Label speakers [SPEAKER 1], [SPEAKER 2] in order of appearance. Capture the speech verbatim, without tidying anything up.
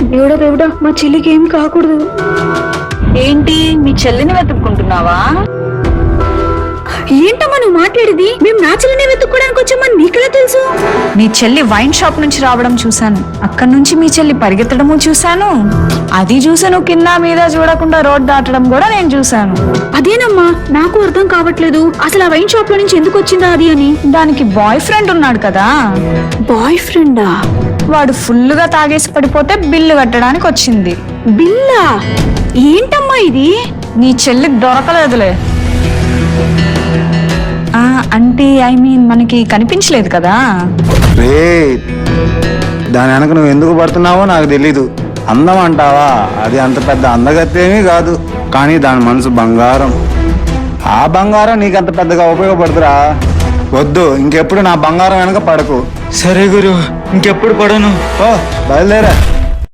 [SPEAKER 1] దేవుడా దేవుడా మా చెల్లికి ఏం కాకూడదు.
[SPEAKER 2] ఏంటి మీ చెల్లిని వెతుక్కుంటున్నావా?
[SPEAKER 1] ఏంటమ్మా నువ్వు మాట్లాడేది? మేము నా చెల్లిని వెతుక్కోవడానికి వచ్చామని నీకెలా తెలుసు?
[SPEAKER 2] మీ చెల్లి వైన్ షాప్ నుంచి రావడం చూశాను, అక్కడి నుంచి మీ చెల్లి పరిగెత్తడము చూశాను, అది చూసాను కింద మీద చూడకుండా రోడ్ దాటడం కూడా నేను చూశాను.
[SPEAKER 1] అదేనమ్మా నాకు అర్థం కావట్లేదు, అసలు ఆ వైన్ షాప్ లో నుంచి ఎందుకు వచ్చిందా అది అని.
[SPEAKER 2] దానికి బాయ్ ఫ్రెండ్ ఉన్నాడు కదా.
[SPEAKER 1] బాయ్ ఫ్రెండా?
[SPEAKER 2] వాడు ఫుల్ గా తాగేసి పడిపోతే బిల్లు కట్టడానికి వచ్చింది.
[SPEAKER 1] బిల్లా? ఏంటమ్మా ఇది?
[SPEAKER 2] నీ చెల్లికి దొరకలేదులే. ఆ అంటే ఐ మీన్ మనకి కనిపించలేదు కదా.
[SPEAKER 3] రే దాని వెనక నువ్వు ఎందుకు పడుతున్నావో నాకు తెలీదు. అందం అంటావా, అది అంత పెద్ద అందగత్తేమీ కాదు, కానీ దాని మనసు బంగారం. ఆ బంగారం నీకు అంత పెద్దగా ఉపయోగపడుతురా. వద్దు, ఇంకెప్పుడు నా బంగారం వెనక పడకు.
[SPEAKER 4] సరే గురు, ఇంకెప్పుడు పడను.
[SPEAKER 3] ఓ బయలుదేరా.